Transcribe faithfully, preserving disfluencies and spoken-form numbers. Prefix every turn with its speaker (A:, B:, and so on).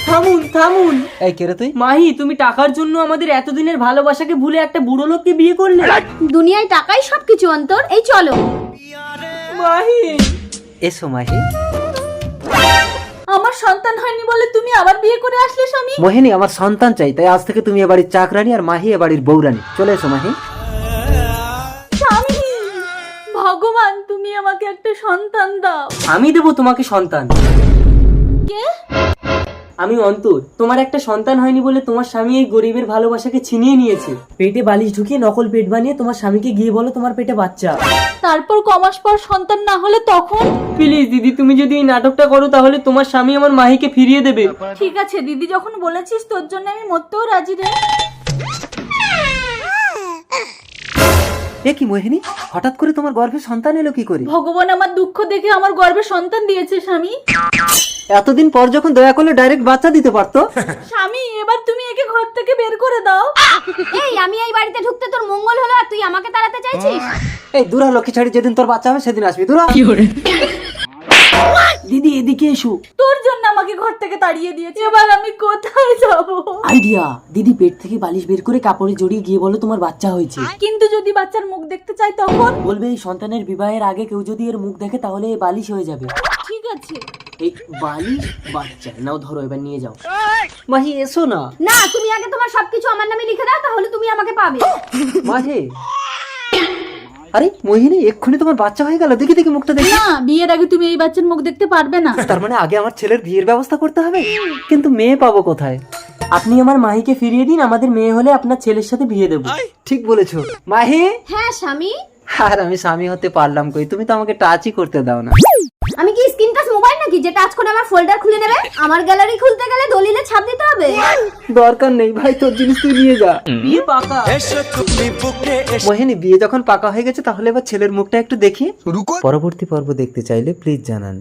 A: থামুন থামুন।
B: এই কে রে তুই?
A: মাহি, তুমি টাকার জন্য আমাদের এতদিনের ভালোবাসাকে ভুলে একটা বুড়ো লোককে বিয়ে করলে।
C: দুনিয়ায় টাকাই সবকিছু অন্তর। এই চলো।
A: মাহি,
B: এসো মাহি।
C: আমার সন্তান হয়নি বলে তুমি আবার বিয়ে করে আসলে স্বামী?
B: মোহিনী, আমার সন্তান চাই, তাই আজ থেকে তুমি এ বাড়ির চাকরানি আর মাহি এ বাড়ির বউরানি। চলে এসো মাহি।
C: স্বামী, ভগবান তুমি আমাকে একটা সন্তান দাও।
A: আমি দেবো তোমাকে সন্তান।
C: কে?
A: আমি অন্তর। তোমার একটা সন্তান হয়নি বলে তোমার স্বামী এই গরিবের ভালোবাসাকে ছিনিয়ে নিয়েছে। পেটে বালিশ ঢুকিয়ে নকল পেট বানিয়ে তোমার স্বামীকে গিয়ে বলো তোমার পেটে বাচ্চা।
C: তারপর কমাস পর সন্তান না হলে তখন?
A: প্লিজ দিদি, তুমি যদি এই নাটকটা করো তাহলে তোমার স্বামী আমার মাহিকে ফিরিয়ে দেবে।
C: ঠিক আছে দিদি, যখন বলেছিস তোর জন্য আমি মরতেও রাজি রে।
B: এ কি মোহিনী, হঠাৎ করে তোমার গর্ভে সন্তান এলো কি করে?
C: ভগবান আমার দুঃখ দেখে আমার গর্ভে সন্তান দিয়েছে স্বামী।
B: এতদিন পর যখন দয়া করলে ডাইরেক্ট বাচ্চা দিতে পারতো।
C: স্বামী, এবার তুমি একে ঘর থেকে বের করে দাও। এই, আমি এই বাড়িতে ঢুকতে তোর মঙ্গল হলো আর তুই আমাকে তাড়াতে চাইছিস?
B: এই দূরা লক্ষ্মী ছাড়ি, যেদিন তোর বাচ্চা হবে সেদিন আসবি। দূরা।
A: দিদি এদিকে এসো।
C: তোর জন্য আমাকে ঘর থেকে তাড়িয়ে দিয়েছে, এবার আমি কোথায় যাব?
A: আইডিয়া, দিদি পেট থেকে বালিশ বের করে কাপড়ে জড়িয়ে গিয়ে বলো তোমার বাচ্চা হয়েছে।
C: কিন্তু যদি বাচ্চার মুখ দেখতে চাই তখন?
A: বলবে এই সন্তানের বিবাহের আগে কেউ যদি এর মুখ দেখে তাহলে এই বালিশ হয়ে যাবে।
C: ঠিক আছে।
A: এই বালিশ বাচ্চা নাও, ধরো এবার নিয়ে যাও।
B: মাহি এসো না।
C: না, তুমি আগে তোমার সবকিছু আমার নামে লিখে দাও, তাহলে তুমি আমাকে পাবে।
B: মাহি। আরে মোহিনী, এক্ষুনি তোমার বাচ্চা হয়ে গেল। দেখি দেখি মুখটা দেখি।
C: না, বিয়ের আগে তুমি এই বাচ্চার মুখ দেখতে পারবে না।
B: তার মানে আগে আমার ছেলের বিয়ের ব্যবস্থা করতে হবে। কিন্তু মেয়ে পাবো কোথায়?
A: আপনি আমার মাহিকে ফিরিয়ে দিন, আমাদের মেয়ে হলে আপনার ছেলের সাথে বিয়ে দেবো।
B: ঠিক বলেছো মাহি।
C: হ্যাঁ স্বামী।
B: আর আমি স্বামী হতে পারলাম কই, তুমি তো আমাকে টাচই করতে দাও না।
C: আমি কি স্ক্রিন টাচ মোবাইল নাকি যে টাচ করে আমার ফোল্ডার খুলে নেবে? আমার গ্যালারি খুলতে গেলে দলিলে ছাপ দিতে হবে।
B: দরকার নেই ভাই, তোর জিনিস তুই নিয়ে যা।
A: বিয়ে পাকা।
B: মোহিনী, বিয়ে যখন পাকা হয়ে গেছে তাহলে এবার ছেলের মুখটা একটু দেখি। পরবর্তী পর্ব দেখতে চাইলে প্লিজ জানান।